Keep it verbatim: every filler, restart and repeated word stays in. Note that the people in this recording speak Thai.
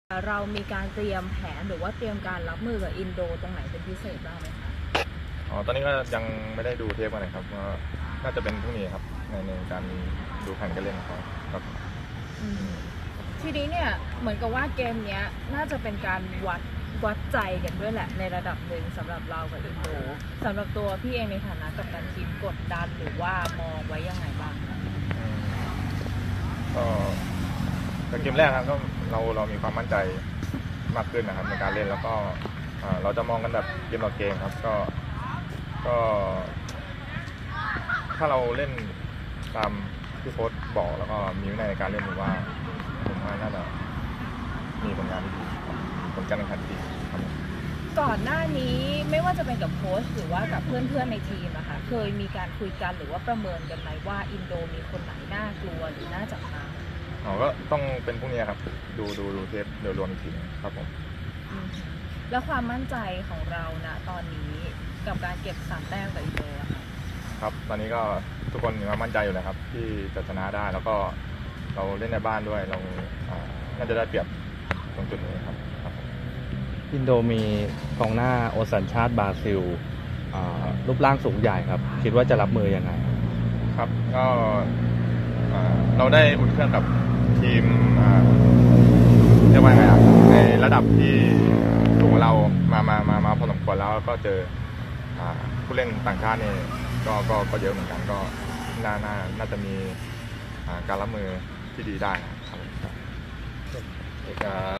เรามีการเตรียมแผนหรือว่าเตรียมการรับมือกับอินโดตรงไหนเป็นพิเศษบ้างไหมคะอ๋อตอนนี้ก็ยังไม่ได้ดูเทปกันเลยครับก็น่าจะเป็นพรุ่งนี้ครับในในการดูแผนการเล่นของเขาครับทีนี้เนี่ยเหมือนกับว่าเกมเนี้ยน่าจะเป็นการวัดวัดใจกันด้วยแหละในระดับหนึ่งสำหรับเรากับอินโดสำหรับตัวพี่เองในฐานะกัปตันทีมกดดันหรือว่ามองไว้ยังไงบ้างก็ในเกมแรกครับก็เราเรามีความมั่นใจมากขึ้นนะครับในการเล่นแล้วก็เราจะมองกันแบบเกมต่อเกมครับก็ก็ถ้าเราเล่นตามที่โค้ชบอกแล้วก็มีวินัยในการเล่นผมว่าผมว่าน่าจะมีผลงานที่ดีผลการแข่งขันที่ดีครับก่อนหน้านี้ไม่ว่าจะเป็นกับโค้ชหรือว่ากับเพื่อนๆในทีมนะคะเคยมีการคุยกันหรือว่าประเมินกันไหมว่าอินโดมีคนไหนน่ากลัวหรือน่าจับตาอ๋อก็ต้องเป็นพวกนี้ครับดูดูดูเทปโดยรวมอีกทีครับผมแล้วความมั่นใจของเรานะตอนนี้กับการเก็บสามแต้มกับอินโดค่ะครับตอนนี้ก็ทุกคนมีความมั่นใจอยู่แล้วครับที่จะชนะได้แล้วก็เราเล่นในบ้านด้วยเราน่าจะได้เปรียบตรงจุดนี้ครับอินโดมีกองหน้าโอสัญชาติบราซิลรูปร่างสูงใหญ่ครับคิดว่าจะรับมือยังไงครับก็เราได้อุ่นเครื่องกับทีมเรียกว่าไงครับในระดับที่สูงเรามามามามาพอสมควรแล้วก็เจอผู้เล่นต่างชาตินี่ก็ก็ก็เยอะเหมือนกันก็น่าน่าน่าจะมีการรับมือที่ดีได้ครับ